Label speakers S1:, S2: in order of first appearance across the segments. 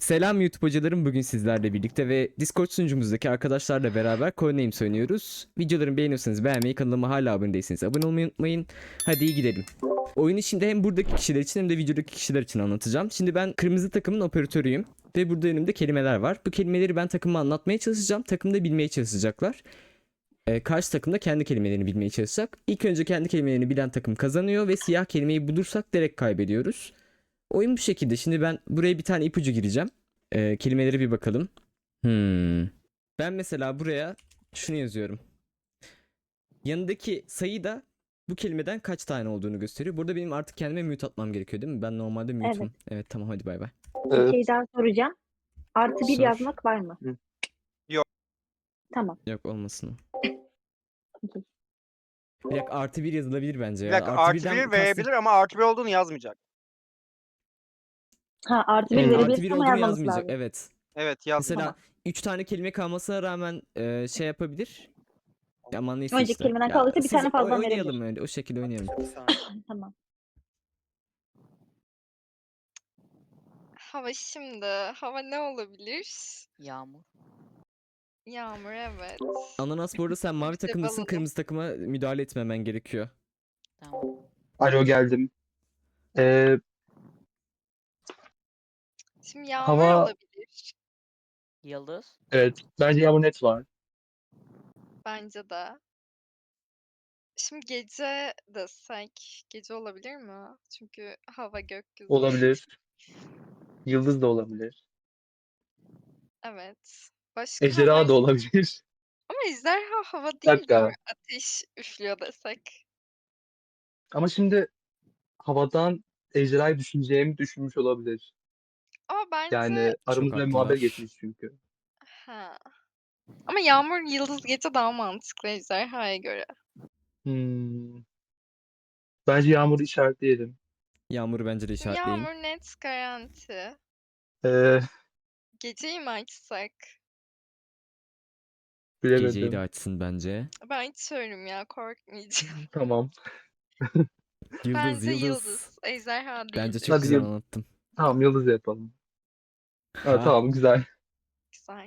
S1: Selam YouTube hocalarım, bugün sizlerle birlikte ve Discord sunucumuzdaki arkadaşlarla beraber Codenames oynuyoruz. Videolarımı beğeniyorsanız beğenmeyi, kanalıma hala abone değilseniz abone olmayı unutmayın. Hadi iyi gidelim. Oyunu şimdi hem buradaki kişiler için hem de videodaki kişiler için anlatacağım. Şimdi ben kırmızı takımın operatörüyüm ve burada önümde kelimeler var. Bu kelimeleri ben takıma anlatmaya çalışacağım. Takım da bilmeye çalışacaklar. Karşı takım da kendi kelimelerini bilmeye çalışacak. İlk önce kendi kelimelerini bilen takım kazanıyor ve siyah kelimeyi bulursak direkt kaybediyoruz. Oyun bu şekilde. Şimdi ben buraya bir tane ipucu gireceğim. Kelimelere bir bakalım. Ben mesela buraya şunu yazıyorum. Yanındaki sayı da bu kelimeden kaç tane olduğunu gösteriyor. Burada benim artık kendime mute atmam gerekiyor değil mi? Ben normalde
S2: Evet.
S1: mute'um. Evet tamam, hadi bay bay.
S2: Bir şey daha soracağım. Artı bir
S1: Sor.
S2: yazmak var mı?
S3: Yok.
S2: Tamam.
S1: Yok, olmasın o.
S2: Okey.
S1: Bir dakika, artı bir yazılabilir bence
S3: Bir
S1: ya.
S3: dakika
S1: Artı
S3: artı
S1: birden
S3: bir verebilir ama artı bir olduğunu yazmayacak.
S2: Ha, artı bir
S1: Evet, artı
S2: verebilirsin
S1: bir
S2: ama
S1: olduğunu
S2: yazmaması
S1: yazmayacak.
S2: lazım.
S1: Evet.
S3: Evet yazmayacak.
S1: Mesela 3 tane kelime kalmasına rağmen şey yapabilir. Aman neyse
S2: Önceki
S1: işte.
S2: kelimeden
S1: Ya
S2: kaldıysa bir
S1: siz
S2: tane fazladan
S1: oynayalım
S2: verebilir.
S1: öyle. O şekilde oynayalım.
S2: Tamam.
S4: Hava şimdi. Hava ne olabilir?
S5: Yağmur.
S4: Yağmur, evet.
S1: Ananas, bu arada sen mavi
S4: İşte
S1: takımdasın.
S4: balonu.
S1: Kırmızı takıma müdahale etmemen gerekiyor.
S5: Tamam.
S6: Alo geldim. Ee,
S4: Şimdi yağmur
S6: hava
S4: olabilir.
S5: Yıldız.
S6: evet bence yağmur net var.
S4: Bence de. Şimdi gece desek. Gece olabilir mi? Çünkü hava gökyüzü.
S6: Olabilir. Yıldız da olabilir.
S4: Evet. Başka hava...
S6: Ejderha da olabilir.
S4: Ama ejderha hava
S6: Bir
S4: değil de
S6: dakika.
S4: ateş üflüyor desek.
S6: Ama şimdi havadan ejderhayı düşüneceğimi düşünmüş olabilir.
S4: Ama bence...
S6: Yani
S1: Çok
S6: aramızda bir muhabbet
S1: haklılar.
S6: geçmiş çünkü.
S4: Ha. Ama yağmur yıldız gece daha mantıklı ejderhaya göre.
S6: Hmm. Bence yağmuru işaretleyelim.
S1: Yağmuru bence de
S4: Şimdi
S1: işaretleyin.
S4: yağmur net garanti.
S6: Ee,
S4: Geceyi mi açsak?
S1: Geceyi de
S6: bilemedim.
S1: açsın bence.
S4: Ben açıyorum ya, korkmayacağım.
S6: Tamam.
S1: Yıldız,
S4: Bence
S1: yıldız.
S4: yıldız. Ejderha
S1: Bence
S4: değildir.
S1: çok
S6: Hadi
S1: güzel anlattım.
S6: tamam yıldız yapalım. Ha,
S1: Ha.
S6: tamam güzel.
S4: Güzel.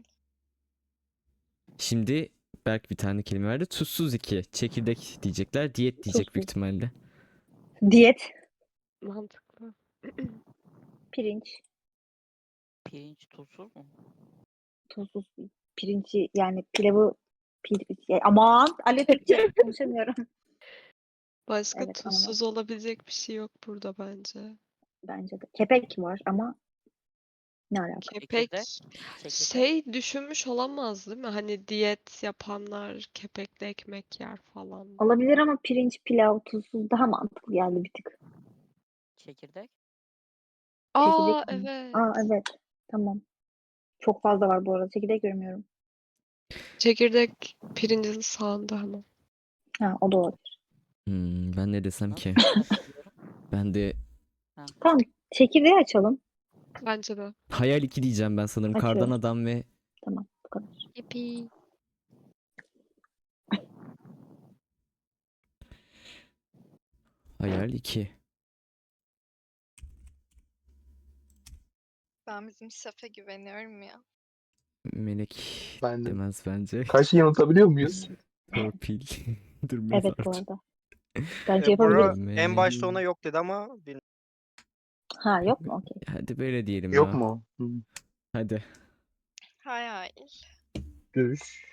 S1: Şimdi Berk bir tane kelime verdi. Tuzsuz 2. Çekirdek diyecekler. Diyet diyecek büyük
S2: Tuzsuz.
S1: ihtimalle.
S2: Diyet.
S7: Mantıklı.
S2: Pirinç.
S5: Pirinç tuzsuz mu?
S2: Tuzsuz. Pirinci yani pilavı aman Ali Türkçe konuşamıyorum.
S7: Başka
S2: Evet,
S7: tuzsuz olabilecek bir şey yok burada bence.
S2: bence de. Kepek var ama ne alaka?
S7: Kepek
S5: Çekirdek.
S7: şey düşünmüş olamaz değil mi? Hani diyet yapanlar kepekli ekmek yer falan.
S2: Olabilir ama pirinç, pilav, tuzsuz daha mantıklı geldi bir tık.
S5: Çekirdek.
S7: Aa
S2: Çekirdek mi?
S7: evet.
S2: Aa evet. Tamam. Çok fazla var bu arada. Çekirdek görmüyorum.
S7: Çekirdek pirincin sağında hemen.
S2: Ha, o da olabilir.
S1: Ben ne desem ki?
S5: Katılıyorum.
S1: Ben de
S2: Tamam. Çekirdeği açalım.
S7: Bence de.
S1: Hayal 2 diyeceğim ben sanırım. Kardan
S2: Açıyorum.
S1: adam ve
S2: Tamam. Bu kadar.
S7: Yippee.
S1: Hayal 2.
S4: Ben bizim şefe güveniyorum ya.
S1: Melek
S6: Ben de.
S1: demez bence.
S6: Karşıyı yanıltabiliyor muyuz?
S1: Torpil. Dur,
S2: Evet bu
S1: mezarcı.
S2: arada. Bence
S3: Bora
S2: yapabiliriz.
S3: en başta ona yok dedi ama bilmiyorum.
S2: Ha yok mu? Okey.
S1: Hadi böyle diyelim
S6: Yok
S1: ya.
S6: mu?
S1: Hadi.
S4: Hayal.
S6: Düş.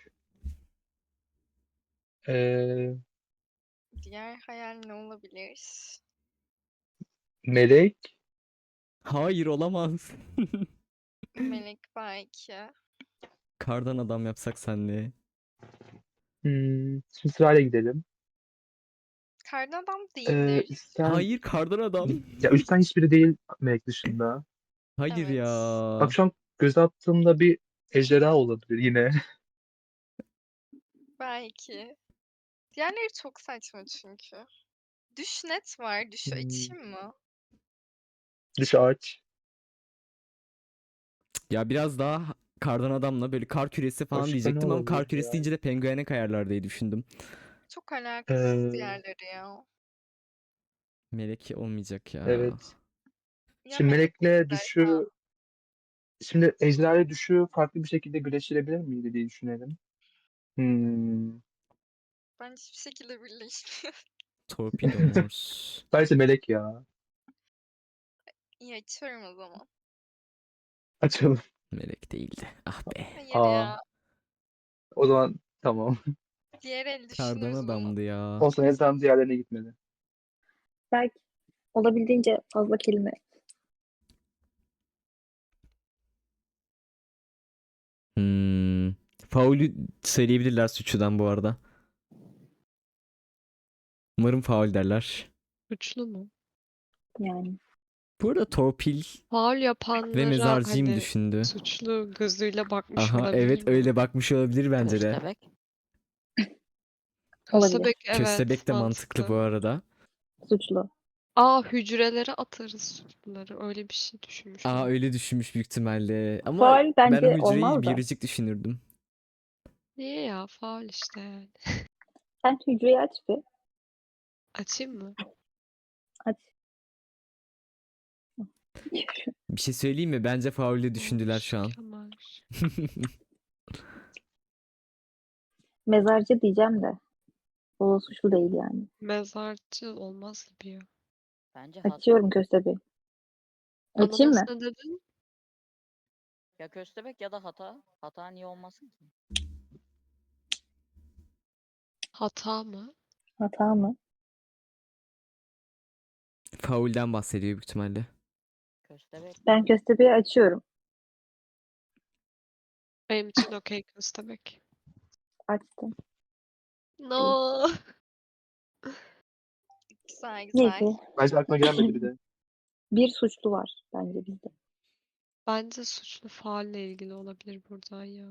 S6: Ee,
S4: Diğer hayal ne olabilir?
S6: melek.
S1: Hayır, olamaz.
S4: Melek belki.
S1: Kardan adam yapsak senle.
S6: Şimdi sırayla gidelim.
S4: Kardan adam değildir.
S6: Üstten,
S1: Hayır, kardan adam.
S6: ya üstten hiçbiri değil melek dışında.
S1: Hayır
S4: Evet.
S1: ya.
S6: Bak şu an göz attığımda bir ejderha olabilir yine.
S4: Belki. Diğerleri çok saçma çünkü. Düş net var. Düşü açayım mı?
S6: Dış ağaç.
S1: Ya biraz daha kardan adamla böyle kar küresi falan
S6: Başka ne
S1: diyecektim ama kar
S6: olabilir
S1: küresi
S6: ya?
S1: deyince de penguene kayarlar diye düşündüm.
S4: Çok alakasız
S6: Ee,
S4: diğerleri ya.
S1: Melek olmayacak ya.
S6: evet.
S4: Ya
S6: Şimdi
S4: melek
S6: melekle
S4: ejderha.
S6: düşü Şimdi ejderha ile düşü farklı bir şekilde birleştirebilir miydi diye düşünelim.
S4: Bence hiçbir şekilde birleşmiyor.
S1: Torpido Morse.
S6: Bence melek ya.
S4: İyi açıyorum o zaman.
S6: Açalım.
S1: Melek değildi. Ah be.
S4: Hayır
S6: Aa.
S4: ya.
S6: O zaman tamam.
S4: Diğer el
S1: Kardan
S4: düşünürüz bunu.
S1: adamdı ya.
S6: Olsun ezan diğerlerine gitmedi.
S2: Belki olabildiğince fazla kelime.
S1: Faulü söyleyebilirler suçludan bu arada. Umarım faul derler.
S7: Suçlu mu?
S2: Yani
S1: Bu arada torpil
S7: Faul
S1: ve
S7: yapanlara
S1: mezarcıyım
S7: hani
S1: düşündü.
S7: suçlu gözüyle bakmış
S1: Aha
S7: olabilir
S1: evet
S7: mi?
S1: öyle bakmış olabilir bence de.
S5: Köstebek.
S2: olabilir.
S7: Köstebek evet
S1: Köstebek de mantıklı bu arada.
S2: Suçlu.
S7: Hücrelere atarız suçluları. Öyle bir şey düşünmüş
S1: Aa
S7: olabilir.
S1: öyle düşünmüş büyük ihtimalle. Ama
S2: Faul
S1: ben
S2: bence
S1: hücreyi
S2: olmaz da.
S1: biyolojik düşünürdüm.
S7: Niye ya? Faul işte yani.
S2: Sen hücreyi aç bir.
S7: Açayım mı?
S2: Aç.
S1: Bir şey söyleyeyim mi? Bence faulü düşündüler şu an.
S7: Kemal.
S2: Mezarcı diyeceğim de. O suçlu değil yani.
S7: Mezarcı olmaz gibi ya.
S5: Bence hata.
S2: Açıyorum köstebeği. Açayım mı?
S7: Ananas ne dedin?
S5: Ya köstebek ya da hata. Hata niye olmasın ki?
S7: Hata mı?
S2: Hata mı?
S1: Faulden bahsediyor büyük ihtimalle.
S5: Köstebek.
S2: Ben köstebeği açıyorum.
S7: Benim için okey köstebek.
S2: Açtım.
S7: No.
S4: Güzel güzel.
S2: Neyse.
S6: Bence aklına gelmedi bir de.
S2: Bir suçlu var bence bizde.
S7: Bence suçlu faulle ilgili olabilir buradan ya.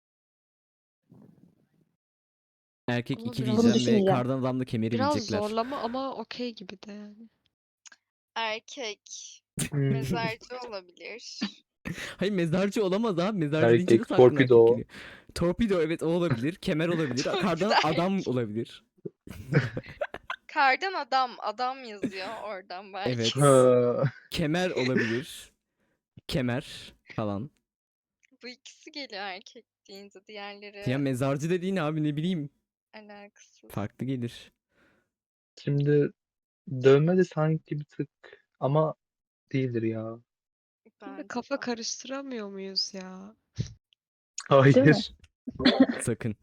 S1: Erkek
S7: Ama
S1: 2
S7: biraz-
S2: Bunu
S1: diyeceğim ve
S2: düşüneceğim.
S1: kardan adamla kemeri
S7: Biraz
S1: bilecekler.
S7: zorlama ama okey gibi de yani.
S4: Erkek.
S6: Hmm.
S4: Mezarcı olabilir.
S1: Hayır mezarcı olamaz abi. Mezarcı deyince
S6: Erkek,
S1: nasıl aklına erkek
S6: torpido.
S1: geliyor? Torpido evet o olabilir. Kemer olabilir.
S4: Torpido
S1: Kardan adam
S4: erkek.
S1: olabilir.
S4: Kardan adam. Adam yazıyor oradan belki.
S1: Evet.
S6: Ha.
S1: Kemer olabilir. Kemer falan.
S4: Bu ikisi geliyor erkek deyince.
S1: Ya
S4: Diğerleri
S1: mezarcı dediğin abi ne bileyim.
S4: alakasız.
S1: Farklı gelir.
S6: Şimdi dövme de sanki bir tık ama değildir ya.
S7: Şimdi
S4: Bence
S7: kafa
S4: de.
S7: karıştıramıyor muyuz ya?
S2: Değil mi?
S6: Hayır.
S1: Sakın.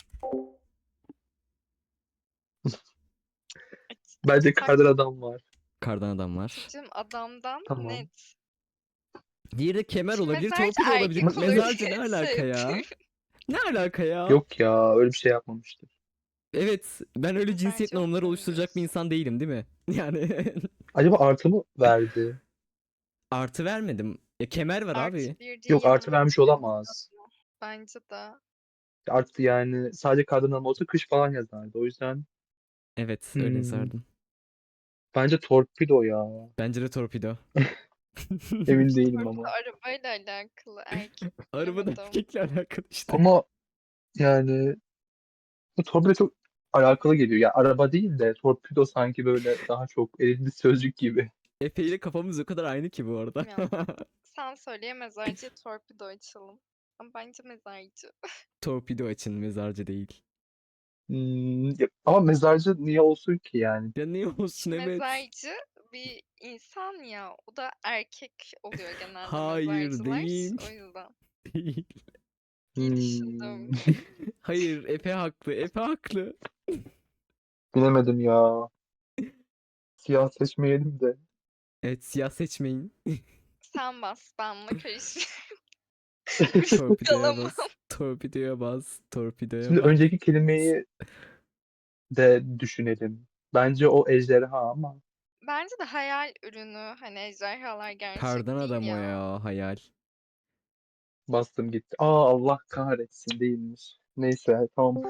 S6: Bence kardan adam var.
S1: Kardan adam var.
S4: Açıcım adamdan
S6: Tamam.
S4: net.
S1: Diğeri de kemer
S4: Şimdi
S1: olabilir.
S4: mezarcı
S1: Torpido olabilir.
S4: erkek olur
S1: Mezarcı ne
S4: diye
S1: alaka
S4: şey
S1: ya?
S4: yapıyorum.
S1: Ne alaka ya?
S6: Yok ya öyle bir şey yapmamıştır.
S1: Evet. Ben öyle cinsiyet
S4: Mezarcı
S1: normları
S4: olduğunu
S1: oluşturacak bir
S4: biliyorsun.
S1: insan değilim değil mi? Yani
S6: Acaba artı mı verdi?
S1: artı vermedim. Kemer var abi.
S4: Artı bir
S6: Yok
S4: değil
S6: artı
S4: ama
S6: vermiş olamaz.
S4: bence de.
S6: Artı yani sadece kardan adam olsa kış falan yazardı. O yüzden
S1: Evet öyle
S6: hmm,
S1: yazardım.
S6: bence torpido ya.
S1: Bence de torpido.
S6: Emin değilim
S4: Torpido
S6: ama.
S4: arabayla alakalı erkek
S1: Arabada
S4: bilemedim.
S1: erkekle alakalı işte.
S6: Ama yani bu torpido çok alakalı geliyor. Ya araba değil de torpido sanki böyle daha çok elinde sözcük gibi.
S1: Efe ile kafamız o kadar aynı ki bu arada.
S4: Ya. Sen söyleye mezarcıya torpido açalım. Ama bence mezarcı.
S1: Torpido açın mezarcı değil.
S6: Ama mezarcı niye olsun ki yani?
S1: Ya ne olsun evet.
S4: Mezarcı bir insan ya. O da erkek oluyor genelde
S1: Hayır
S4: mezarcılar.
S1: değil.
S4: O yüzden.
S1: Değil.
S4: İyi düşündüm.
S1: Hayır Efe haklı. Efe haklı.
S6: Bilemedim ya. Siyah seçmeyelim de.
S1: Evet siyah seçmeyin.
S4: Sen bas. Ben buna karışmıyorum.
S1: Torpidoya
S4: Yalamam.
S1: bas. Torpidoya bas. Torpidoya
S6: Şimdi
S1: bas.
S6: önceki kelimeyi de düşünelim. Bence o ejderha ama
S4: Bence de hayal ürünü. Hani ejderhalar gerçek
S1: Kardan
S4: değil
S1: adam o
S4: ya.
S1: ya hayal.
S6: bastım gitti. Aa Allah kahretsin değilmiş. Neyse tamam.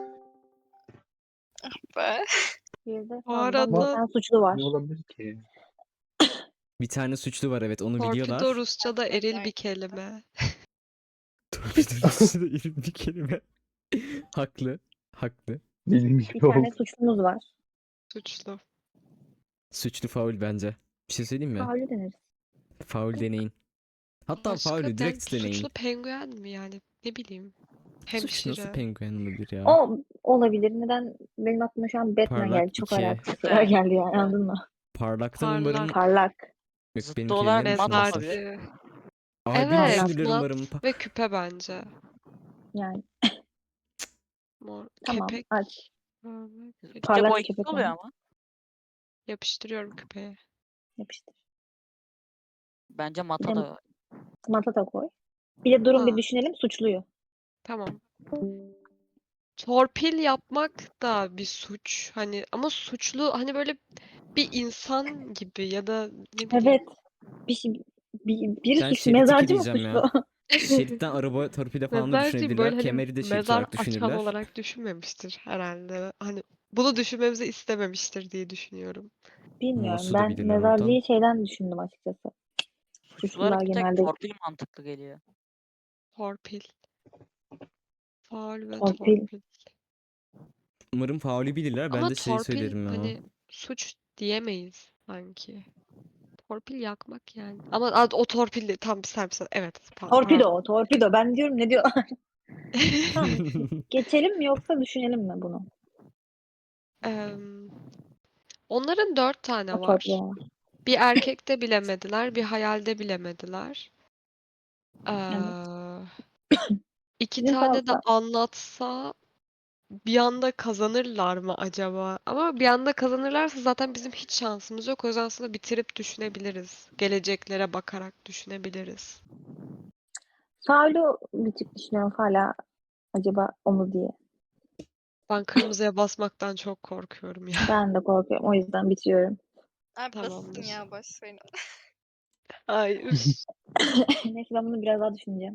S4: Be.
S2: Bir de
S7: Bu
S2: fazladan bir
S7: arada
S2: tane suçlu var.
S6: Ne olabilir ki?
S1: Bir tane suçlu var evet onu
S7: torpido
S1: biliyorlar.
S7: Rusça'da eril bir
S4: Mezarcı.
S7: kelime.
S1: Torpido üstüne irim bir kelime. Haklı. Haklı.
S6: Dediğim
S2: Bir
S6: gibi
S2: tane
S6: oldu.
S2: suçlumuz var.
S7: Suçlu.
S1: Suçlu faul bence. Bir şey söyleyeyim mi?
S2: Faulü deneriz.
S1: Faul deneyin. Hatta
S7: Başka
S1: faulü direkt
S7: suçlu
S1: deneyin.
S7: penguen mi yani? Ne bileyim.
S1: Suç nasıl
S7: Hemşire.
S1: penguen olabilir ya?
S2: O olabilir. Neden? Benim aklıma şu an Batman
S1: Parlak
S2: geldi. Çok
S1: 2.
S2: alakasız şeyler geldi yani, anladın mı?
S1: Parlaktan
S7: Parlak.
S1: umarım...
S2: Parlak.
S1: Yok,
S5: Zıttı
S1: benimki
S5: olarak
S1: ne
S5: mat
S1: düşünüyorsun?
S5: olabilir.
S7: Mezarcı.
S1: Albüm
S7: Evet,
S1: düşünülür
S7: mat
S1: umarım.
S7: ve küpe bence.
S2: Yani
S7: Mor.
S2: tamam,
S7: Kepek.
S2: aç.
S7: Parmak.
S5: Zıtça
S2: Parlak
S5: boyutsuz
S2: köpek
S5: oluyor
S2: ama.
S5: ama.
S7: Yapıştırıyorum küpeye.
S2: Yapıştır.
S5: Bence
S2: Bir
S5: mata
S2: de
S5: da
S2: mata da koy. Bir de durun bir
S7: Ha,
S2: düşünelim suçluyu.
S7: tamam. Torpil yapmak da bir suç. Hani ama suçlu hani böyle bir insan gibi ya da ne bileyim.
S2: Evet. Biri
S1: Ben
S2: suçlu.
S1: Şerit 2
S2: Mezarcı mı
S1: diyeceğim ya.
S2: suçlu?
S1: Şeritten araba torpide falan da
S7: Mezarcıyı
S1: düşünebilirler.
S7: böyle hani
S1: Kemeri de şerit
S7: mezar
S1: olarak
S7: açan
S1: düşünürler.
S7: olarak düşünmemiştir herhalde. Hani bunu düşünmemizi istememiştir diye düşünüyorum.
S2: Bilmiyorum.
S1: Morsu da
S2: Ben
S1: bilirler oradan.
S2: mezarcıyı şeyden düşündüm açıkçası.
S5: suçlulara
S2: Suçlular
S5: bir tek
S2: genelde
S5: torpil mantıklı geliyor.
S7: Torpil. Faul ve
S2: torpil.
S7: torpil.
S1: Umarım faulü bilirler. Ben
S7: Ama
S1: de şey
S7: torpil
S1: söylerim ya.
S7: hani suç diyemeyiz sanki. Torpil yakmak yani. Ama o torpil de tam bir serpil. Evet,
S2: Torpido
S7: pardon.
S2: o. Torpido. Ben diyorum ne diyor? Tamam. Geçelim mi yoksa düşünelim mi bunu?
S7: Onların 4 tane
S2: O
S7: var.
S2: torpido var.
S7: Bir erkekte bilemediler, bir hayalde bilemediler.
S2: Evet.
S7: İki
S2: Bizim
S7: tane de
S2: fazla.
S7: anlatsa bir anda kazanırlar mı acaba? Ama bir anda kazanırlarsa zaten bizim hiç şansımız yok. O yüzden aslında bitirip düşünebiliriz. Geleceklere bakarak düşünebiliriz.
S2: Faulü bir tık düşünüyorum hala. Acaba o mu diye.
S7: Ben kırmızıya basmaktan çok korkuyorum ya.
S2: Ben de korkuyorum. O yüzden bitiriyorum.
S4: Ay basın
S7: Tamamdır.
S4: ya boş verin.
S7: Ay üf.
S2: Neyse ben bunu biraz daha düşüneceğim.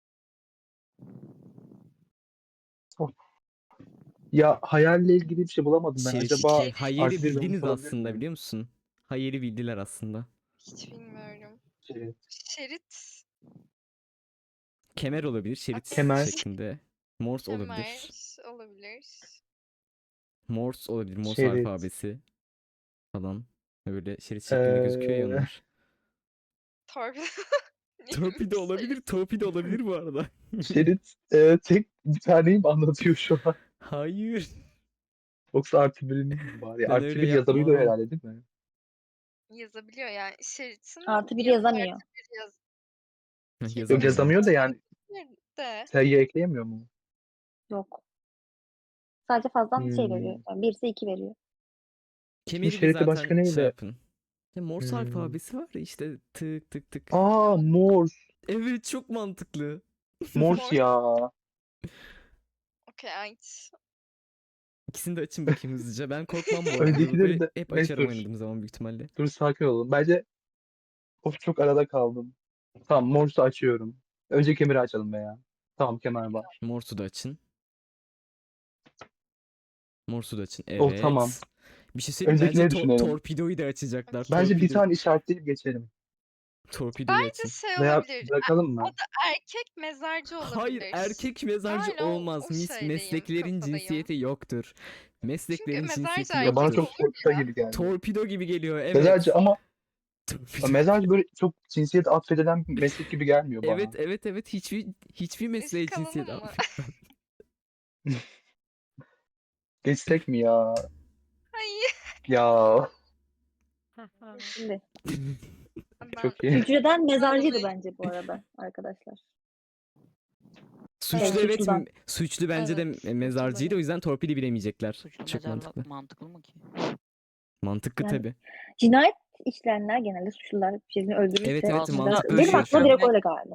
S6: Ya hayalle ilgili bir şey bulamadım ben.
S1: Şerit
S6: Acaba
S1: 2. Hayır'ı
S6: artı bir vermiş
S1: bildiniz
S6: olabilir
S1: aslında
S6: mi?
S1: biliyor musun? Hayır'ı bildiler aslında.
S4: Hiç bilmiyorum.
S6: Şerit.
S4: Şerit,
S1: Kemer olabilir. Şerit
S6: Kemer.
S1: şeklinde. Morse
S4: kemer
S1: olabilir.
S4: olabilir.
S1: Morse olabilir. Morse
S6: Şerit.
S1: alfabesi falan. Böyle şerit şeklinde gözüküyor ya
S6: Ee,
S1: onlar.
S4: Torpido. Niye
S1: Torpido
S4: böyle
S1: olabilir.
S4: sayıyorsun?
S1: Torpido olabilir bu arada.
S6: Şerit tek bir taneyi mi anlatıyor şu an?
S1: Hayır.
S6: Yoksa artı birini mi var? Ya,
S1: Ben
S6: artı
S1: öyle
S6: bir yazabiliyor
S1: yapmam.
S6: herhalde değil mi?
S4: Yazabiliyor yani. Şeritin
S2: Artı bir
S4: yanına
S2: yazamıyor.
S4: artı bir yaz.
S6: Yok
S1: Yazamıyor
S6: yazamıyor
S1: evet.
S6: da yani
S4: De.
S6: sayı ekleyemiyor mu?
S2: Yok. Sadece fazladan şey veriyor.
S6: Hmm.
S2: Yani birisi 2 veriyor.
S6: Şimdi
S1: Kemeri de
S6: şeriti başka
S1: zaten şey
S6: neyle?
S1: yapın. Ya Morse
S6: Hmm.
S1: alfabesi var ya işte tık tık tık.
S6: Aa, Morse.
S1: Evet çok mantıklı.
S6: Morse
S4: Morse.
S6: ya.
S4: Okey aç.
S1: İkisini de açın bakayım hızlıca. Ben korkmam bu arada.
S6: Öncekileri
S1: Buraları
S6: de
S1: hep
S6: neyse
S1: açarım
S6: dur.
S1: oynadığım zaman büyük ihtimalle.
S6: Dur sakin olun. Bence of çok arada kaldım. Tamam Morse'u açıyorum. Önce kemeri açalım be ya. Tamam kemer var.
S1: Morse'u da açın. Morse'u da açın.
S6: Oh tamam.
S1: Evet. Bir şey söyleyeyim bence
S6: Öncekileri düşünelim.
S1: torpidoyu da açacaklar.
S4: Okey.
S6: Bence bir tane işaretleyip geçelim.
S1: Torpidoyu
S4: Bence
S1: açın.
S4: şey
S6: Veya
S4: olabilir.
S6: bırakalım
S4: O
S6: mı?
S4: da erkek mezarcı
S1: Hayır
S4: olabilir.
S1: erkek mezarcı
S4: Hala
S1: olmaz.
S4: o şeydeyim,
S1: Mesleklerin
S4: kafadayım.
S1: cinsiyeti yoktur.
S4: Çünkü
S1: Mesleklerin
S4: mezarcı
S1: cinsiyeti
S6: Ya bana
S4: erkek
S1: yoktur.
S6: çok
S4: olur
S6: torpido
S4: ya.
S6: gibi geldi.
S1: Torpido gibi geliyor
S6: Mezarcı
S1: evet.
S6: ama
S1: Torpido.
S6: mezarcı böyle çok cinsiyet atfedilen bir meslek gibi gelmiyor
S1: Evet
S6: bana.
S1: evet evet hiçbir mesleğe
S4: Risk
S1: cinsiyet
S4: alalım mı?
S1: atfetmem.
S6: Geçsek mi ya?
S4: Hayır.
S6: Ya
S2: Şimdi
S4: Ben
S6: çok iyi.
S2: hücreden mezarcıydı
S4: Vallahi
S2: bence bu arada arkadaşlar.
S1: Suçlu
S4: Evet.
S1: evet
S2: Suçludan.
S1: suçlu bence de
S7: Evet,
S1: mezarcıydı o
S7: muhtemelen.
S1: yüzden torpili bilemeyecekler.
S5: Suçlu
S1: Çok
S5: mezarlık
S1: mantıklı.
S5: mantıklı mı ki?
S1: Mantıklı
S2: Yani
S1: tabi.
S2: cinayet işleyenler genelde suçlular birini
S1: Evet
S2: öldürürse
S1: evet
S5: Aslında
S1: mantıklı
S2: benim
S1: şu
S2: aklıma
S1: an.
S2: direkt
S5: ölmek
S2: öyle geldi.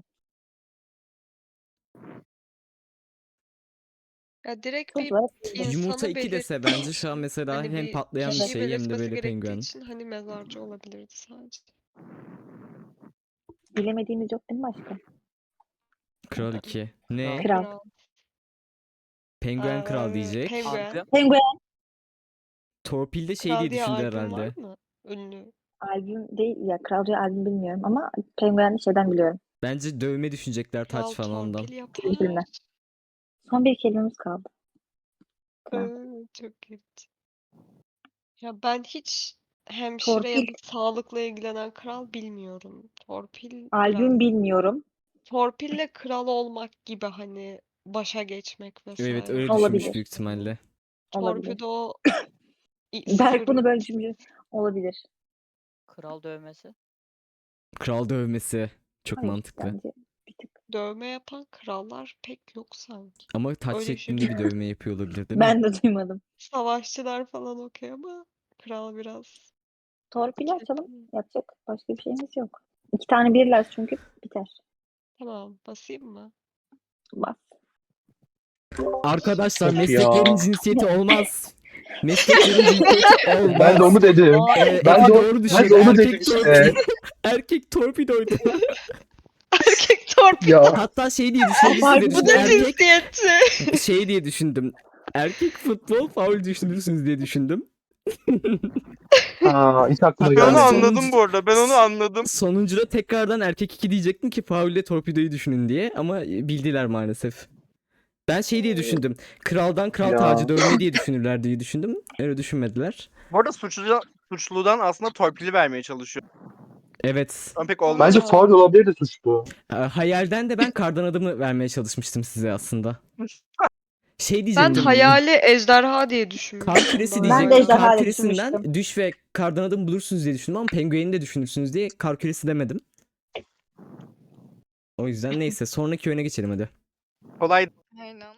S7: Ya direkt
S2: Sonuç
S7: bir
S2: olarak bildim.
S1: Yumurta
S7: insanı
S1: 2 dese
S7: belirttiği
S1: bence şu an
S7: için
S1: mesela
S7: hani
S1: hem
S7: bir
S1: patlayan bir
S2: Evet.
S7: kişiyi
S1: şey hem de
S7: belirtmesi
S1: böyle
S7: gerektiği
S1: penguen.
S7: için hani mezarcı olabilirdi sadece.
S2: Bilemediğimiz yok değil mi başka?
S1: Kral 2. Ne?
S5: Kral.
S2: Kral.
S7: Kral.
S1: Penguen kral diyecek.
S7: Penguen.
S5: Albüm.
S2: Penguen.
S1: Torpilde şey
S7: Kral
S1: diye
S7: diye
S1: düşündü
S7: albüm var
S1: herhalde.
S7: mı? Ünlü.
S2: Albüm değil ya. Kral diye albüm bilmiyorum ama Penguen'i şeyden biliyorum.
S1: Bence dövme düşünecekler
S7: Kral
S1: taç falandan.
S7: torpil yapar.
S2: Filmden. Son bir kelimemiz kaldı. Kral.
S7: Çok kötü. Ya ben hiç hemşire ya da
S2: Torpil.
S7: sağlıkla ilgilenen kral bilmiyorum. Torpil biraz.
S2: Albüm bilmiyorum.
S7: Torpille kral olmak gibi hani başa geçmek vesaire.
S1: Evet öyle
S2: Olabilir.
S1: düşünmüş büyük ihtimalle.
S2: Olabilir.
S7: Torpido
S2: Berk
S7: sıfır
S2: bunu böyle düşünmüş. Olabilir.
S5: Kral dövmesi.
S1: Kral dövmesi. Çok
S2: Hayır
S1: mantıklı.
S2: bence bir tık.
S7: dövme yapan krallar pek yok sanki.
S1: Ama taç
S7: Öyle
S1: şeklinde
S7: şey.
S1: bir dövme yapıyor olabilir değil mi?
S2: Ben de duymadım.
S7: Savaşçılar falan okey ama kral biraz.
S2: Torpili açalım.
S7: Kesin.
S2: Yapacak başka bir şeyimiz yok. 2 tane birler çünkü biter.
S7: Tamam, basayım mı?
S2: Bas.
S1: Arkadaşlar
S6: Of
S1: mesleklerin
S6: ya.
S1: cinsiyeti olmaz. Mesleklerin cinsiyeti olmaz.
S6: Ben de onu dedim. Ben
S1: Efe
S6: de,
S1: doğru
S6: ben
S1: düşündü.
S6: de onu
S1: Erkek
S6: dedim işte.
S1: Erkek torpidoydu.
S7: Erkek torpido.
S6: Ya
S1: Hatta şey diye düşündüm.
S2: Abartma.
S1: Siz de
S7: Bu
S1: düşündüm.
S7: da
S1: Erkek
S7: cinsiyetçi.
S1: şey diye düşündüm. Erkek futbol faul düşünürsünüz diye düşündüm.
S6: hiç aklıma
S3: Ben onu
S1: Yani
S6: gelmedi.
S3: anladım bu arada. Ben onu anladım.
S1: Sonuncuda tekrardan erkek 2 diyecektim ki faule torpidoyu düşünün diye ama bildiler maalesef. Ben şey diye düşündüm. Kraldan kral
S6: Ya.
S1: tacı dövme diye düşünürler diye düşündüm. Öyle düşünmediler.
S3: Bu arada suçludan aslında torpili vermeye çalışıyor.
S1: Evet.
S3: Ama pek olmadı.
S6: Bence faul olabilir de suç bu.
S1: Hayalden de ben kardan adımı vermeye çalışmıştım size aslında. Şey
S7: Ben
S1: diyecektim.
S7: hayali ejderha diye
S1: Kar
S7: düşünmüştüm.
S1: küresi
S7: daha
S2: Ben de
S1: diyecektim.
S7: önce.
S2: ejderha
S1: Kar
S2: diye
S1: küresinden
S2: düşünmüştüm.
S1: düş ve kardan adım bulursunuz diye düşündüm ama pengueni de düşünürsünüz diye kar küresi demedim. O yüzden neyse sonraki oyuna geçelim hadi.
S3: Kolay.
S4: Aynen.